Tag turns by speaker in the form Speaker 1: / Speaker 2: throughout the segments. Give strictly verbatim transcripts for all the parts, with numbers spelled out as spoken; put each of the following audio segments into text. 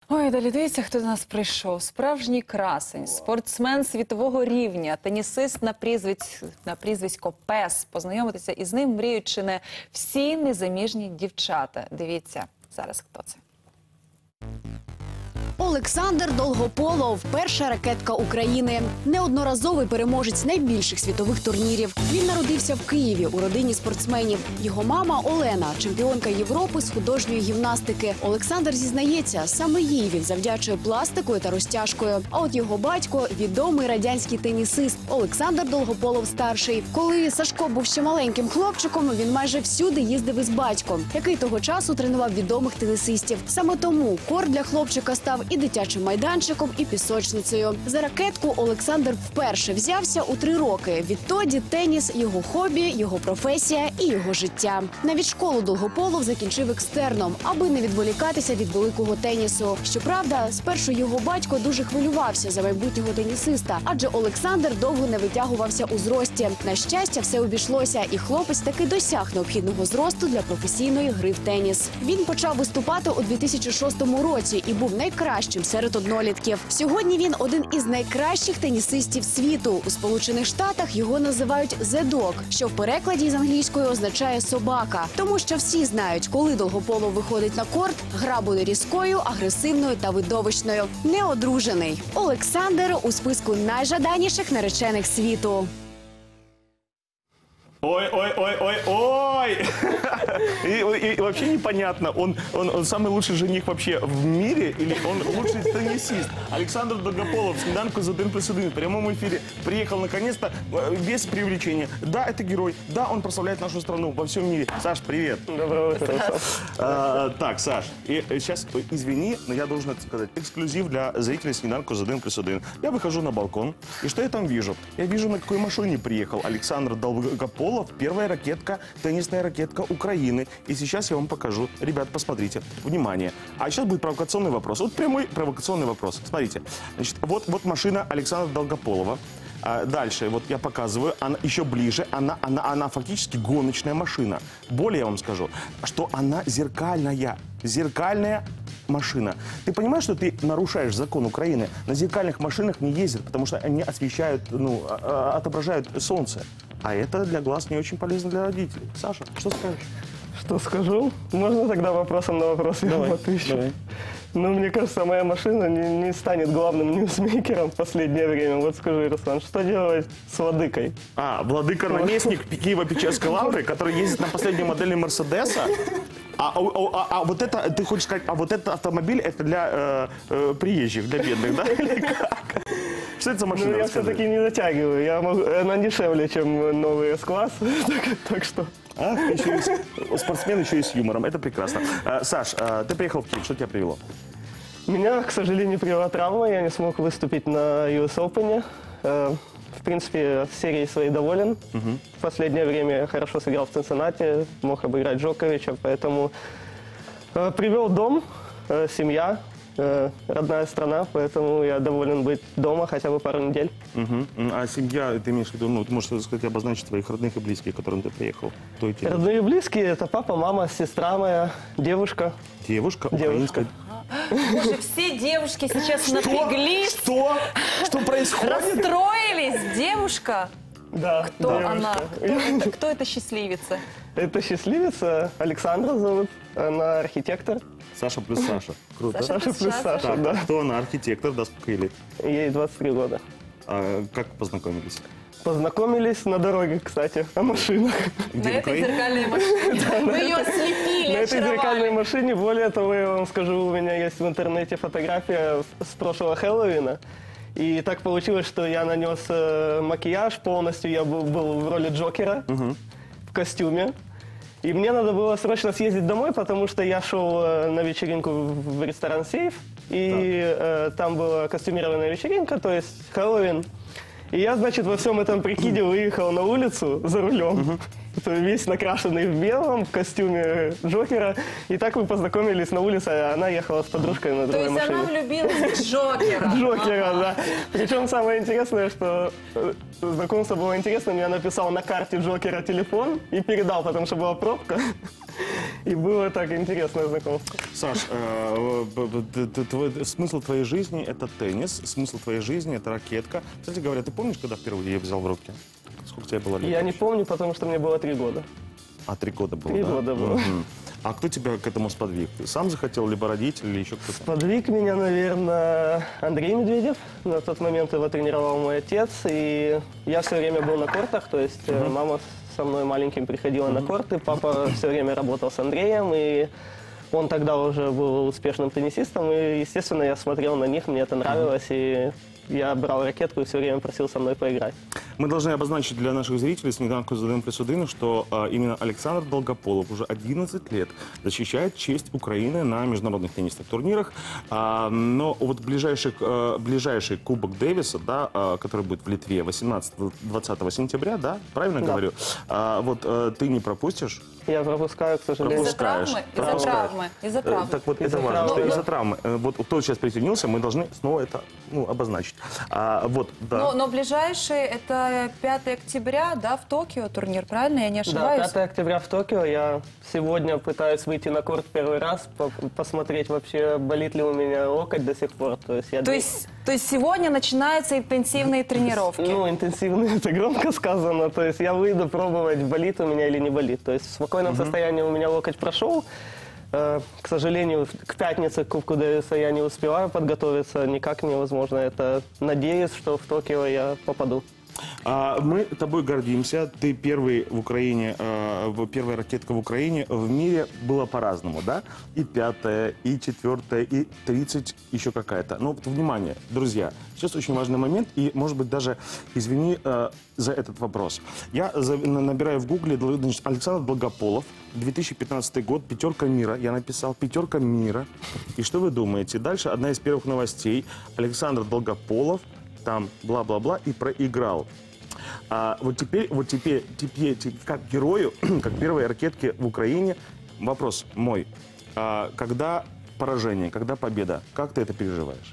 Speaker 1: Ой, далі дивіться, хто до нас прийшов. Справжній красень, спортсмен світового рівня, тенісист на, прізвиськ, на прізвисько Пес. Познайомитися із ним мріють чи не всі незаміжні дівчата. Дивіться зараз, хто це.
Speaker 2: Олександр Долгополов – перша ракетка України. Неодноразовий переможець найбільших світових турнірів. Він народився в Києві у родині спортсменів. Його мама Олена – чемпіонка Європи з художньої гімнастики. Олександр зізнається, саме їй він завдячує пластикою та розтяжкою. А от його батько – відомий радянський тенісист Олександр Долгополов-старший. Коли Сашко був ще маленьким хлопчиком, він майже всюди їздив із батьком, який того часу тренував відомих тенісистів. Саме тому корт для хлопчика став і дитячим майданчиком, і пісочницею. За ракетку Олександр вперше взявся у три роки. Відтоді теніс – його хобі, його професія і його життя. Навіть школу Долгополов закінчив екстерном, аби не відволікатися від великого тенісу. Щоправда, спершу його батько дуже хвилювався за майбутнього тенісиста, адже Олександр довго не витягувався у зрості. На щастя, все обійшлося, і хлопець таки досяг необхідного зросту для професійної гри в теніс. Він почав виступати у дві тисячі шостому році і був найкращим серед однолітків. Сьогодні він один із найкращих тенісистів світу. У Сполучених Штатах його називають «The Dog», що в перекладі з англійської означає «собака». Тому що всі знають, коли Долгополов виходить на корт, гра буде різкою, агресивною та видовищною. Неодружений. Олександр у списку найжаданіших наречених світу.
Speaker 3: Ой, ой, ой, ой, ой! И, и вообще непонятно, он, он, он самый лучший жених вообще в мире или он лучший теннисист? Александр Долгополов, «Сніданку з один плюс один» в прямом эфире приехал наконец-то без привлечения. Да, это герой, да, он прославляет нашу страну во всем мире. Саш, привет.
Speaker 4: Доброе утро.
Speaker 3: А, так, Саш, и сейчас, извини, но я должен это сказать, эксклюзив для зрителей «Сніданку з один плюс один». Я выхожу на балкон, и что я там вижу? Я вижу, на какой машине приехал Александр Долгополов. Первая ракетка, теннисная ракетка Украины. И сейчас я вам покажу. Ребят, посмотрите. Внимание. А сейчас будет провокационный вопрос. Вот прямой провокационный вопрос. Смотрите. Значит, вот, вот машина Александра Долгополова. А дальше, вот я показываю, она еще ближе. Она, она, она фактически гоночная машина. Более я вам скажу, что она зеркальная. Зеркальная машина. Ты понимаешь, что ты нарушаешь закон Украины? На зеркальных машинах не ездят, потому что они освещают, ну, отображают солнце. А это для глаз не очень полезно для родителей. Саша, что скажешь?
Speaker 4: Что скажу? Можно тогда вопросом на вопрос я вам отвечу? Давай. Ну, мне кажется, моя машина не, не станет главным ньюсмейкером в последнее время. Вот скажи, Руслан, что делать с владыкой?
Speaker 3: А, владыка-наместник Киево-Печерской лавры, который ездит на последней модели Мерседеса. А, а, а, а вот это, ты хочешь сказать, а вот этот автомобиль, это для э, э, приезжих, для бедных, да? Или как? Что это за машина?
Speaker 4: Ну, я все-таки не затягиваю. Я могу, она дешевле, чем новый С-класс, так, так что...
Speaker 3: А, еще и с, спортсмен еще и с юмором, это прекрасно. А, Саш, а, ты приехал в Киев, что тебя привело?
Speaker 4: Меня, к сожалению, привела травма, я не смог выступить на ю эс Open. В принципе, серией своей доволен. Угу. В последнее время я хорошо сыграл в Цинциннати, мог обыграть Джоковича, поэтому э, привел дом, э, семья, э, родная страна, поэтому я доволен быть дома хотя бы пару недель.
Speaker 3: Угу. А семья, ты имеешь в виду, ну, ты можешь сказать, обозначить твоих родных и близких, к которым ты приехал? Кто эти?
Speaker 4: Родные и близкие – это папа, мама, сестра моя, девушка.
Speaker 3: Девушка?
Speaker 4: Девушка.
Speaker 1: Боже, все девушки сейчас напряглись.
Speaker 3: Что? Что происходит?
Speaker 1: Расстроились. Девушка?
Speaker 4: Да,
Speaker 1: Кто
Speaker 4: девушка.
Speaker 1: она? Кто это, кто это счастливица?
Speaker 4: Это счастливица, Александра зовут, она архитектор.
Speaker 3: Саша плюс Саша. Круто.
Speaker 1: Саша
Speaker 4: Саша плюс Саша,
Speaker 3: Так,
Speaker 4: да.
Speaker 3: кто она? Архитектор, да, сколько ей лет?
Speaker 4: Ей двадцать три года.
Speaker 3: А как познакомились?
Speaker 4: Познакомились на дороге, кстати, о машинах.
Speaker 3: Где,
Speaker 1: На
Speaker 3: в
Speaker 1: этой
Speaker 3: Украине?
Speaker 1: зеркальной машине. Вы ее ослепили,
Speaker 4: На этой зеркальной
Speaker 1: очаровали.
Speaker 4: машине, более того, я вам скажу, у меня есть в интернете фотография с прошлого Хэллоуина. И так получилось, что я нанес э, макияж полностью, я был, был в роли Джокера
Speaker 3: Угу.
Speaker 4: в костюме. И мне надо было срочно съездить домой, потому что я шел э, на вечеринку в, в ресторан «Сейф», и э, там была костюмированная вечеринка, то есть Хэллоуин. И я, значит, во всем этом прикиде выехал на улицу за рулем. Uh-huh. Весь накрашенный в белом, в костюме Джокера. И так мы познакомились на улице, а она ехала с подружкой на
Speaker 1: То
Speaker 4: другой
Speaker 1: есть
Speaker 4: машине.
Speaker 1: она влюбилась в Джокера.
Speaker 4: Джокера, да. Причем самое интересное, что э, знакомство было интересным. Я написал на карте Джокера телефон и передал, потому что была пробка. И было так интересное знакомство.
Speaker 3: Саш, э, б- б- т- т- твой- смысл твоей жизни – это теннис, смысл твоей жизни – это ракетка. Кстати говоря, ты помнишь, когда впервые я взял в руки? Сколько тебе было лет?
Speaker 4: Я не
Speaker 3: вообще?
Speaker 4: помню, потому что мне было три года.
Speaker 3: А, три года было,
Speaker 4: Три
Speaker 3: да?
Speaker 4: года было.
Speaker 3: Мгм. А кто тебя к этому сподвиг? Ты сам захотел, либо родители, или еще кто-то?
Speaker 4: Подвиг меня, наверное, Андрей Медведев. На тот момент его тренировал мой отец. И я все время был на кортах, то есть э, мама со мной маленьким приходила на корты, папа все время работал с Андреем, и он тогда уже был успешным теннисистом, и, естественно, я смотрел на них, мне это нравилось, и я брал ракетку и все время просил со мной поиграть.
Speaker 3: Мы должны обозначить для наших зрителей «Сніданку з один плюс один», что а, именно Александр Долгополов уже одиннадцать лет защищает честь Украины на международных теннисных турнирах. А, но вот ближайший, а, ближайший Кубок Дэвиса, да, а, который будет в Литве восемнадцатого-двадцатого сентября, да, правильно
Speaker 4: Да.
Speaker 3: говорю? А, вот а, ты не пропустишь?
Speaker 4: Я пропускаю, к сожалению.
Speaker 1: Из-за
Speaker 3: Пропускаешь.
Speaker 1: травмы? Из-за
Speaker 3: Пропускаешь.
Speaker 1: травмы? Из-за
Speaker 3: Э,
Speaker 1: травмы.
Speaker 3: Так вот,
Speaker 4: Из-за
Speaker 3: это важно,
Speaker 4: травмы.
Speaker 3: что из-за травмы. Э, Вот кто сейчас присоединился, мы должны снова это, ну, обозначить. А, вот, да.
Speaker 1: Но, но ближайший это пятого октября, да, в Токио турнир, правильно? Я не
Speaker 4: Да,
Speaker 1: ошибаюсь?
Speaker 4: пятого октября в Токио. Я сегодня пытаюсь выйти на корт первый раз, по- посмотреть вообще, болит ли у меня локоть до сих пор. То есть, я
Speaker 1: То есть, то есть сегодня начинаются интенсивные тренировки?
Speaker 4: Ну, интенсивно, это громко сказано. То есть я выйду пробовать, болит у меня или не болит. То есть в спокойном состоянии у меня локоть прошел. Э, К сожалению, к пятнице к Кубку Дэвиса я не успеваю подготовиться. Никак невозможно. Это надеюсь, что в Токио я попаду.
Speaker 3: А, мы тобой гордимся. Ты первый в Украине, э, в- первая ракетка в Украине. В мире было по-разному, да? И пятая, и четвертая, и тридцать, еще какая-то. Но вот, внимание, друзья, сейчас очень важный момент, и, может быть, даже, извини э, за этот вопрос. Я за- на- набираю в гугле, значит, Александр Долгополов, две тысячи пятнадцатый год, пятерка мира, я написал, пятерка мира. И что вы думаете? Дальше одна из первых новостей. Александр Долгополов, там бла-бла-бла, и проиграл. А вот теперь, вот теперь, теперь, те- как герою, как первой ракетке в Украине, вопрос мой. А, когда поражение, когда победа, как ты это переживаешь?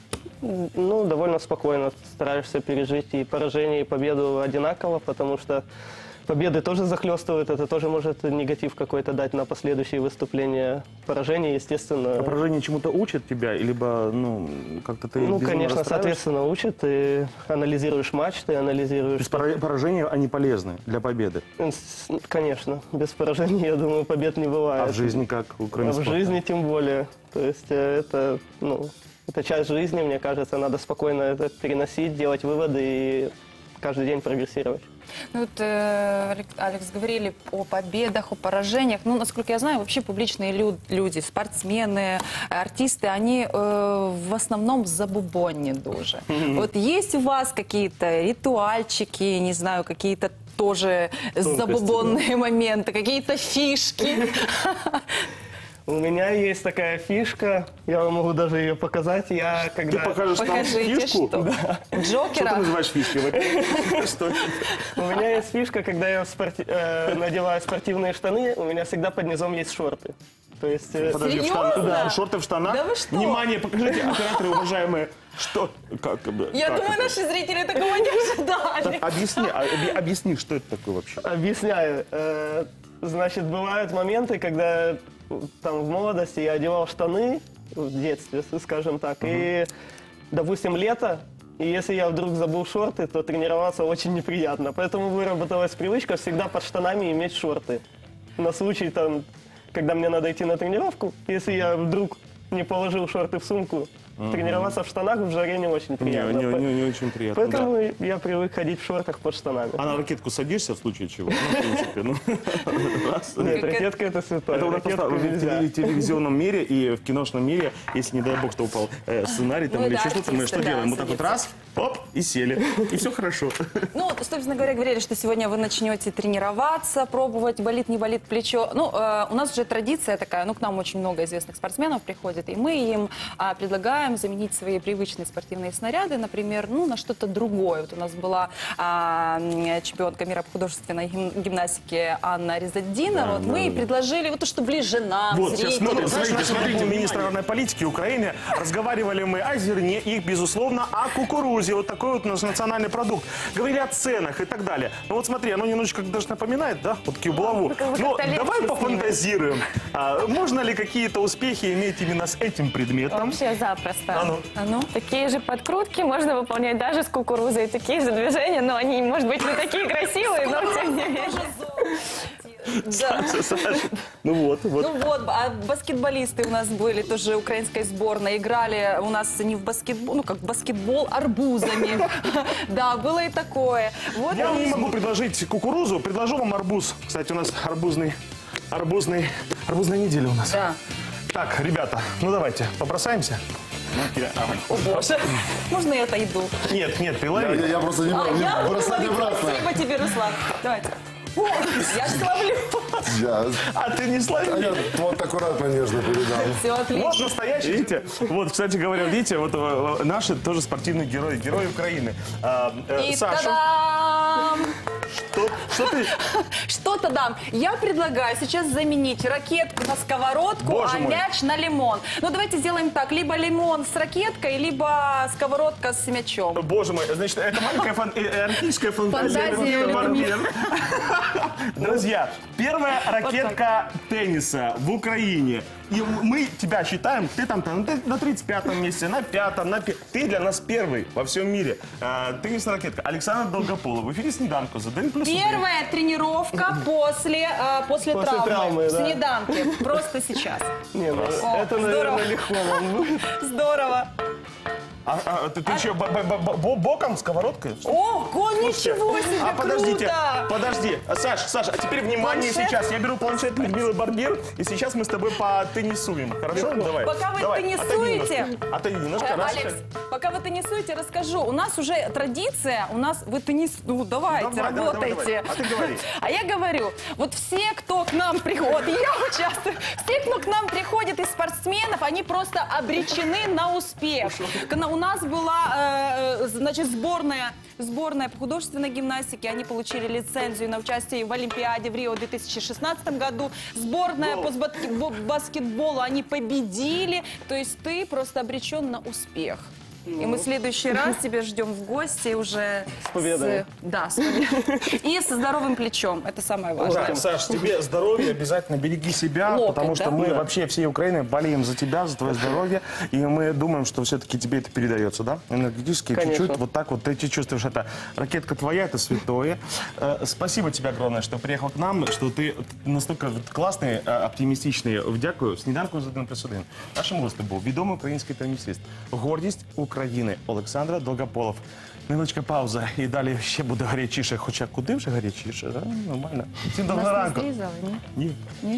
Speaker 4: Ну, довольно спокойно стараешься пережить и поражение, и победу одинаково, потому что победы тоже захлестывают, это тоже может негатив какой-то дать на последующие выступления. Поражение, естественно...
Speaker 3: А поражение чему-то учит тебя, либо, ну, как-то ты
Speaker 4: Ну,
Speaker 3: безумно
Speaker 4: конечно,
Speaker 3: расстраиваешься?
Speaker 4: соответственно, учат, ты анализируешь матч, ты
Speaker 3: То
Speaker 4: анализируешь...
Speaker 3: есть пора- поражения, они полезны для победы.
Speaker 4: С- Конечно, без поражений, я думаю, побед не бывает.
Speaker 3: А в жизни как, кроме
Speaker 4: А в
Speaker 3: спорта?
Speaker 4: жизни тем более. То есть э, это, ну, это часть жизни, мне кажется, надо спокойно это переносить, делать выводы и каждый день прогрессировать.
Speaker 1: Ну, вот, э, Алек- Алекс, говорили о победах, о поражениях. Ну, насколько я знаю, вообще публичные лю- люди, спортсмены, артисты, они э, в основном забубонні дуже. Вот есть у вас какие-то ритуальчики, не знаю, какие-то тоже забубонные моменты, какие-то фишки?
Speaker 4: У меня есть такая фишка, я вам могу даже ее показать. Я
Speaker 3: Ты
Speaker 4: когда...
Speaker 3: покажешь нам
Speaker 1: Покажите,
Speaker 3: фишку?
Speaker 1: что?
Speaker 3: Что ты
Speaker 1: Джокера?
Speaker 3: называешь фишкой? Вот что это?
Speaker 4: У меня есть фишка, когда я в спорти- э, надеваю спортивные штаны, у меня всегда под низом есть шорты. То есть... э,
Speaker 3: Подожди, в
Speaker 1: Серьезно?
Speaker 3: штанах? Да, шорты в штанах.
Speaker 1: Да вы что?
Speaker 3: Внимание, покажите, операторы, уважаемые, что... Как, как бы,
Speaker 1: Я
Speaker 3: как
Speaker 1: думаю,
Speaker 3: это?
Speaker 1: наши зрители такого не ожидали.
Speaker 3: Объясни, а, объ- объясни, что это такое вообще?
Speaker 4: Объясняю. Э, Значит, бывают моменты, когда там в молодости я одевал штаны, в детстве, скажем так, и, допустим, лето, и если я вдруг забыл шорты, то тренироваться очень неприятно. Поэтому выработалась привычка всегда под штанами иметь шорты. На случай, там, когда мне надо идти на тренировку, если я вдруг не положил шорты в сумку, тренироваться в штанах в жаре не очень
Speaker 3: Не,
Speaker 4: приятно.
Speaker 3: не, не, не очень приятно. да.
Speaker 4: Поэтому я привык ходить в шортах под штанами.
Speaker 3: А на ракетку садишься в случае чего? Ну, в принципе, ну, раз.
Speaker 4: Нет,
Speaker 1: Как это-
Speaker 4: ракетка это святое.
Speaker 3: Это у нас
Speaker 4: Ракетку
Speaker 3: просто в
Speaker 4: нельзя.
Speaker 3: теле- телевизионном мире и в киношном мире, если, не дай бог, что упал э, сценарий там
Speaker 1: Ну,
Speaker 3: или
Speaker 1: да,
Speaker 3: еще что-то, мы
Speaker 1: артисты,
Speaker 3: что
Speaker 1: да,
Speaker 3: делаем? Вот так вот
Speaker 1: садятся.
Speaker 3: раз, оп, и сели. И все хорошо.
Speaker 1: Ну, вот, собственно говоря, говорили, что сегодня вы начнете тренироваться, пробовать, болит, не болит плечо. Ну, э, у нас уже традиция такая, ну, к нам очень много известных спортсменов приходит развиты. И мы им а, предлагаем заменить свои привычные спортивные снаряды, например, ну, на что-то другое. Вот у нас была а, чемпионка мира по художественной гим- гимнастике Анна Резаддина. Вот мы ей предложили вот то, что ближе нам,
Speaker 3: Вот, сейчас
Speaker 1: зрителям.
Speaker 3: смотрите,
Speaker 1: Знаешь,
Speaker 3: смотрите,
Speaker 1: нашему
Speaker 3: смотрите,
Speaker 1: вниманию.
Speaker 3: министр аграрной политики Украины. Разговаривали мы о зерне и, безусловно, о кукурузе. Вот такой вот у нас национальный продукт. Говорили о ценах и так далее. Ну вот смотри, оно немножечко даже напоминает, да, вот такую булаву.
Speaker 1: вы как-то
Speaker 3: Ну,
Speaker 1: легче
Speaker 3: давай
Speaker 1: с ними.
Speaker 3: пофантазируем. А, можно ли какие-то успехи иметь именно с этим предметом?
Speaker 5: Вообще запросто.
Speaker 3: А ну.
Speaker 1: А ну?
Speaker 5: Такие же подкрутки можно выполнять даже с кукурузой, такие же движения, но они, может быть, не такие красивые, но тем не менее.
Speaker 1: Да.
Speaker 3: Саша, ну вот, вот.
Speaker 1: Ну вот, а баскетболисты у нас были тоже украинской сборной, играли у нас не в баскетбол, ну как баскетбол арбузами. Да, было и такое. Вот
Speaker 3: Я вам
Speaker 1: и-
Speaker 3: не могу предложить кукурузу, предложу вам арбуз. Кстати, у нас арбузный, арбузный, арбузная неделя у нас.
Speaker 1: Да.
Speaker 3: Так, ребята, ну давайте, побросаемся.
Speaker 1: О боже, можно я отойду?
Speaker 3: Нет, нет, ты
Speaker 6: Я,
Speaker 3: лови.
Speaker 6: я- я просто не
Speaker 1: А,
Speaker 6: брал,
Speaker 1: я
Speaker 6: не
Speaker 1: буду
Speaker 6: бросать
Speaker 1: ловить.
Speaker 6: обратно.
Speaker 1: Спасибо тебе, Руслан. Давайте. О, я же ловлю.
Speaker 6: Я,
Speaker 3: А ты не
Speaker 6: а
Speaker 3: слови.
Speaker 6: я вот аккуратно, нежно передал.
Speaker 1: Все
Speaker 3: Вот
Speaker 1: отлично.
Speaker 3: настоящий, видите? Вот, кстати говоря, видите, вот э, наши тоже спортивные герои, герои Украины. А, э,
Speaker 1: И
Speaker 3: Саша,
Speaker 1: та-дам!
Speaker 3: что, что ты?
Speaker 1: Что-то дам. Я предлагаю сейчас заменить ракетку на сковородку,
Speaker 3: Боже
Speaker 1: а
Speaker 3: мой.
Speaker 1: мяч на лимон. Ну давайте сделаем так. Либо лимон с ракеткой, либо сковородка с мячом.
Speaker 3: Боже мой, значит, это маленькая фан- э, э, артистическая фантазия.
Speaker 1: Фантазия
Speaker 3: Людмилы
Speaker 1: Людмилы.
Speaker 3: Барбер. Друзья, первая ракетка тенниса в Украине. И мы тебя считаем, ты там, там ты на тридцать пятом месте, на пятом, на пи- Ты для нас первый во всем мире. А, теннисная ракетка. Александр Долгополов. В эфире «Сніданку» за один плюс один.
Speaker 1: Первая тренировка после, э, после,
Speaker 4: После
Speaker 1: травмы.
Speaker 4: травмы,
Speaker 1: в
Speaker 4: да.
Speaker 1: снеданке. Просто сейчас.
Speaker 4: Не, ну,
Speaker 1: О,
Speaker 4: это,
Speaker 1: здорово.
Speaker 4: наверное, легко вам будет.
Speaker 1: Здорово.
Speaker 3: А, а, ты, ты что, б- б- б- б- боком, сковородкой?
Speaker 1: Ого, ничего себе,
Speaker 3: А подождите,
Speaker 1: круто.
Speaker 3: подожди. Саш, Саш, а теперь внимание
Speaker 1: Планшет?
Speaker 3: сейчас. Я беру планшет Людмилы Барбер, и сейчас мы с тобой потеннисуем. Хорошо? Давай.
Speaker 1: Пока вы
Speaker 3: Давай,
Speaker 1: теннисуете.
Speaker 3: Отойди немножко. Отойди немножко.
Speaker 1: Э,
Speaker 3: Раз.
Speaker 1: Алекс, пока вы теннисуете, расскажу. У нас уже традиция, у нас вы теннис... Ну, давайте,
Speaker 3: Давай, давай, давай,
Speaker 1: работайте.
Speaker 3: давай. А ты говори.
Speaker 1: А я говорю, вот все, кто к нам приходит, я участвую, все, кто к нам приходит из спортсменов, они просто обречены на успех. Когда у нас была, э, значит, сборная, сборная по художественной гимнастике, они получили лицензию на участие в Олимпиаде в Рио в две тысячи шестнадцатом году. Сборная по сбат- баскетболу, они победили. То есть ты просто обречен на успех. И мы в следующий раз тебя ждем в гости уже с
Speaker 4: победой.
Speaker 1: Да, с победой. И со здоровым плечом. Это самое важное.
Speaker 3: Так, Саш, тебе здоровья, обязательно береги себя,
Speaker 1: Локоть,
Speaker 3: потому что
Speaker 1: да?
Speaker 3: мы
Speaker 1: Да.
Speaker 3: вообще всей Украины болеем за тебя, за твое здоровье, и мы думаем, что все-таки тебе это передается, да? Энергетически,
Speaker 4: Конечно.
Speaker 3: чуть-чуть, вот так вот, ты чувствуешь это. Ракетка твоя, это святое. Э, Спасибо тебе огромное, что приехал к нам, что ты настолько классний, е, оптимістичний. Дякую. Сніданку з один плюс один. Нашим гостем був відомий український тенісист. Гордість України Олександр Долгополов. Невеличка пауза, і далі ще буде гарячіше, хоча куди вже гарячіше, да? Нормально. Всім доброго ранку.
Speaker 1: Зрізали, ні?
Speaker 3: Ні.